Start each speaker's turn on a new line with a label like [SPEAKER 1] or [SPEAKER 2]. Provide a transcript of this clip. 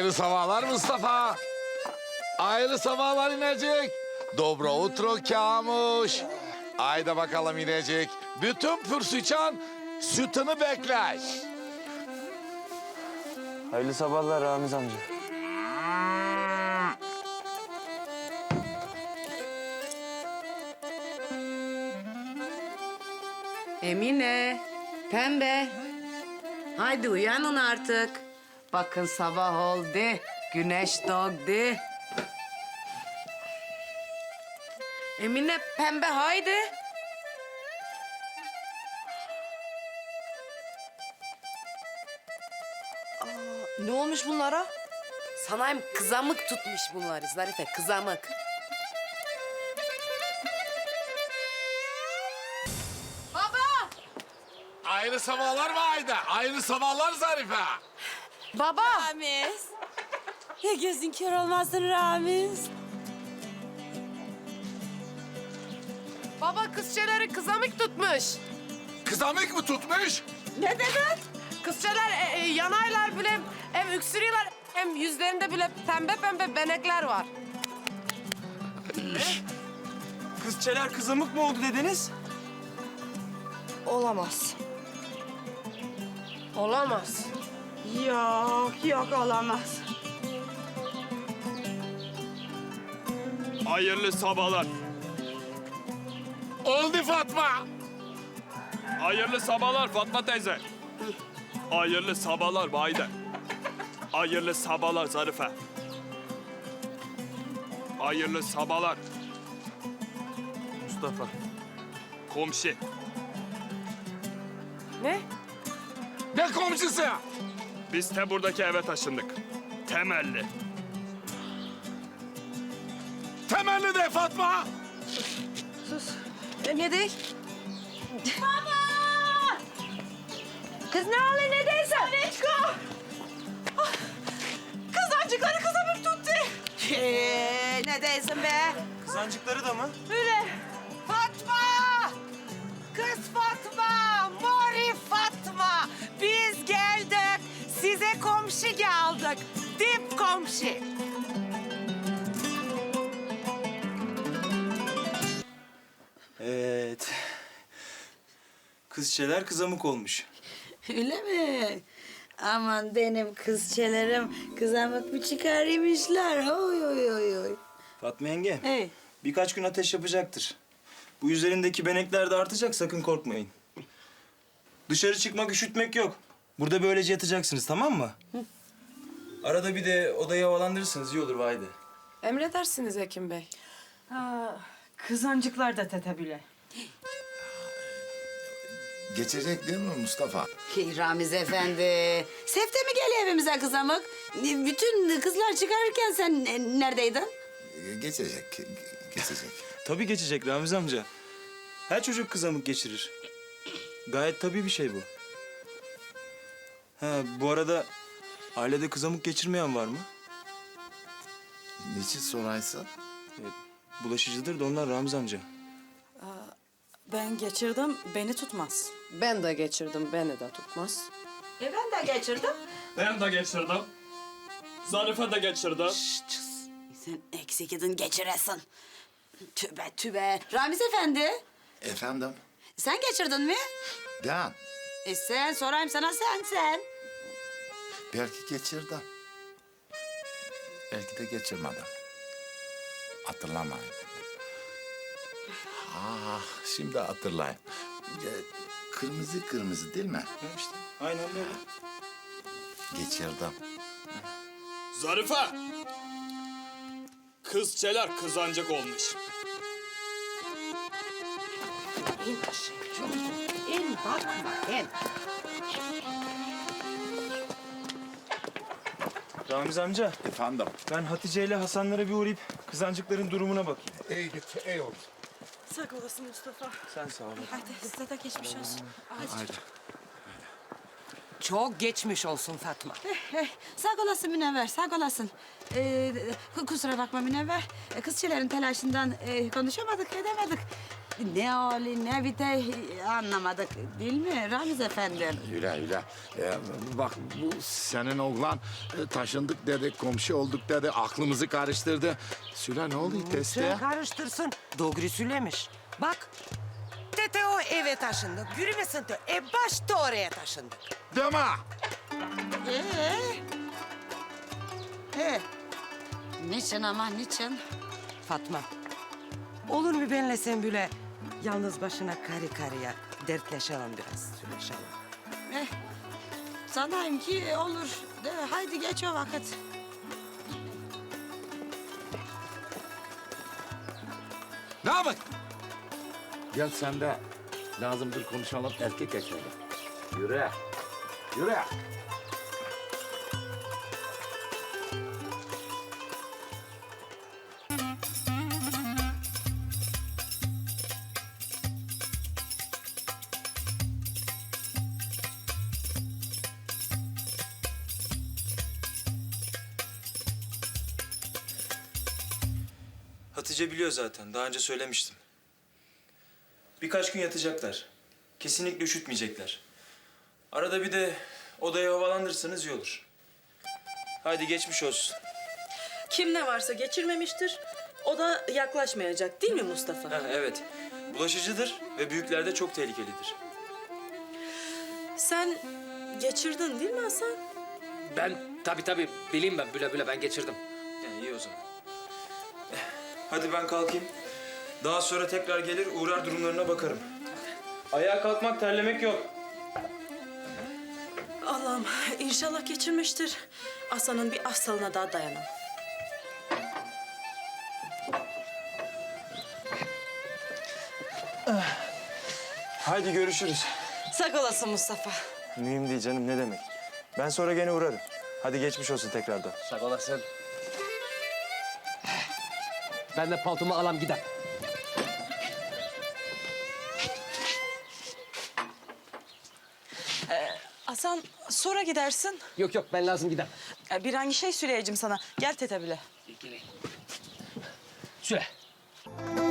[SPEAKER 1] Hayırlı sabahlar Mustafa. Hayırlı sabahlar inecek. Dobro utro Kamuş. Haydi bakalım inecek. Bütün pürsüçan sütünü bekler.
[SPEAKER 2] Hayırlı sabahlar Ramiz amca.
[SPEAKER 3] Emine, Pembe. Haydi uyanın artık. Bakın sabah oldu, güneş doğdu. Emine, Pembe haydi.
[SPEAKER 4] Ne olmuş bunlara?
[SPEAKER 3] Sanayım kızamık tutmuş bunları Zarife, kızamık. Baba!
[SPEAKER 1] Hayırlı sabahlar mı Haydi? Hayırlı sabahlar Zarife.
[SPEAKER 3] Baba!
[SPEAKER 4] Ramiz. Ya gözün kör olmasın Ramiz.
[SPEAKER 3] Baba kızçeleri kızamık tutmuş.
[SPEAKER 1] Kızamık mı tutmuş?
[SPEAKER 3] Ne dedin? Kızçeler yanaylar bile hem öksürüyorlar hem yüzlerinde bile pembe pembe benekler var.
[SPEAKER 2] Kızçeler kızamık mı oldu dediniz?
[SPEAKER 4] Olamaz.
[SPEAKER 3] Olamaz.
[SPEAKER 4] Yok olamaz.
[SPEAKER 5] Hayırlı sabahlar.
[SPEAKER 1] Oldu Fatma.
[SPEAKER 5] Hayırlı sabahlar Fatma teyze. Hayırlı sabahlar Vahide. Hayırlı sabahlar Zarife. Hayırlı sabahlar
[SPEAKER 2] Mustafa.
[SPEAKER 5] komşu.
[SPEAKER 3] Ne?
[SPEAKER 1] Ne komşusu?
[SPEAKER 5] Biz de buradaki eve taşındık. Temelli.
[SPEAKER 1] Temelli de Fatma.
[SPEAKER 4] Ne değil? Baba! Kız ne oluyor ne değilse? Neçko! Kızancıkları kızamık tuttu. Ne değilsin be?
[SPEAKER 2] Kızancıkları da mı?
[SPEAKER 4] Öyle. Fatma! Kız Fatma! Mori Fatma! Biz geldik. Size komşu geldik. Dip komşu.
[SPEAKER 2] Evet. Kızçeler kızamık olmuş.
[SPEAKER 6] Öyle mi? Aman benim kızçelerim kızamık mı çıkarmışlar? Oy oy oy oy.
[SPEAKER 2] Fatma yenge,
[SPEAKER 6] Hey.
[SPEAKER 2] birkaç gün ateş yapacaktır. Bu üzerindeki benekler de artacak, sakın korkmayın. Dışarı çıkmak, üşütmek yok. Burada böylece yatacaksınız, tamam mı? Arada bir de odayı havalandırırsınız, iyi olur Vahide.
[SPEAKER 3] Emredersiniz Hekim Bey.
[SPEAKER 4] Kızancıklar da tetebilir.
[SPEAKER 1] Geçecek değil mi Mustafa?
[SPEAKER 6] Hey, Ramiz efendi. Sefte mi geliyor evimize kızamık? Bütün kızlar çıkarırken sen neredeydin?
[SPEAKER 1] Geçecek, geçecek.
[SPEAKER 2] Tabii geçecek Ramiz amca. Her çocuk kızamık geçirir. Gayet tabii bir şey bu. Ha, bu arada ailede kızamık geçirmeyen var mı?
[SPEAKER 1] Niçin soraysın?
[SPEAKER 2] Bulaşıcıdır da onlar Ramiz amca.
[SPEAKER 4] Ben geçirdim, beni tutmaz.
[SPEAKER 3] Ben de geçirdim, beni de tutmaz.
[SPEAKER 6] Ben de geçirdim.
[SPEAKER 5] Ben de geçirdim. Zarife de geçirdi.
[SPEAKER 6] Sen eksik idin geçiresin. Tübe tübe. Ramiz efendi,
[SPEAKER 1] Efendim?
[SPEAKER 6] sen geçirdin mi?
[SPEAKER 1] Ben
[SPEAKER 6] Sen sorayım sana sen.
[SPEAKER 1] belki geçirdim. Belki de geçirmedim. Hatırlamayın. Ah, şimdi hatırlayın. Kırmızı kırmızı değil mi?
[SPEAKER 2] Ha işte, aynen böyle.
[SPEAKER 1] Geçirdim.
[SPEAKER 5] Zarife. Kızçeler kızancık olmuş.
[SPEAKER 6] İn aşağı çocuğum. İn bakma in.
[SPEAKER 2] Ramiz amca,
[SPEAKER 1] Efendim?
[SPEAKER 2] ben Hatice ile Hasanlara bir uğrayıp kızancıkların durumuna bakayım.
[SPEAKER 1] İyi git, iyi oldu.
[SPEAKER 4] Sağ olasın Mustafa.
[SPEAKER 2] Sen sağ ol.
[SPEAKER 4] Hadi size de geçmiş olsun.
[SPEAKER 1] Haydi.
[SPEAKER 3] Çok geçmiş olsun Fatma.
[SPEAKER 6] Sağ olasın Münevver, sağ olasın. Kusura bakma Münevver. Kızçelerin telaşından konuşamadık, edemedik. ne hali ne biter anlamadık değil mi Ramiz Efendi?
[SPEAKER 1] Öyle. Bak bu senin oğlan taşındık dedi, komşu olduk dedi, aklımızı karıştırdı. Süle ne oldu teste?
[SPEAKER 7] Sen karıştırsın. Doğru söylemiş. Bak. Tete o eve taşındık. Yürümesin de. Başta oraya taşındık.
[SPEAKER 1] Deme!
[SPEAKER 6] He. Niçin ama niçin?
[SPEAKER 7] Fatma. Olur mu benle sen böyle yalnız başına karı karıya dertleşelim biraz, söyleşelim.
[SPEAKER 6] Sanayım ki olur. De, haydi geç o vakit.
[SPEAKER 1] Ne yapın? Gel sen de lazımdır konuşalım erkek erkeğe. Yürü.
[SPEAKER 2] Hatice biliyor zaten. Daha önce söylemiştim. Birkaç gün yatacaklar. Kesinlikle üşütmeyecekler. Arada bir de odayı havalandırırsanız iyi olur. Hadi geçmiş olsun.
[SPEAKER 8] Kim ne varsa geçirmemiştir. O da yaklaşmayacak değil mi Mustafa?
[SPEAKER 2] Ha, evet. Bulaşıcıdır ve büyüklerde çok tehlikelidir.
[SPEAKER 8] Sen geçirdin değil mi Hasan?
[SPEAKER 9] Ben tabii bileyim ben bile ben geçirdim.
[SPEAKER 2] Yani iyi o zaman. Hadi ben kalkayım. Daha sonra tekrar gelir uğrar durumlarına bakarım. Ayağa kalkmak terlemek yok.
[SPEAKER 8] Allah'ım inşallah geçirmiştir. Hasan'ın bir hastalığına daha dayanamam.
[SPEAKER 2] Haydi görüşürüz.
[SPEAKER 8] Sağ olasın Mustafa.
[SPEAKER 2] Mühim değil canım ne demek. Ben sonra gene uğrarım. Hadi geçmiş olsun tekrardan.
[SPEAKER 9] Sağ olasın. Ben de paltomu alam giderim.
[SPEAKER 8] Hasan sonra gidersin.
[SPEAKER 9] Yok ben lazım giderim.
[SPEAKER 8] Bir hangi şey söyleyeceğim sana. Gel tete bile.
[SPEAKER 9] Söyle.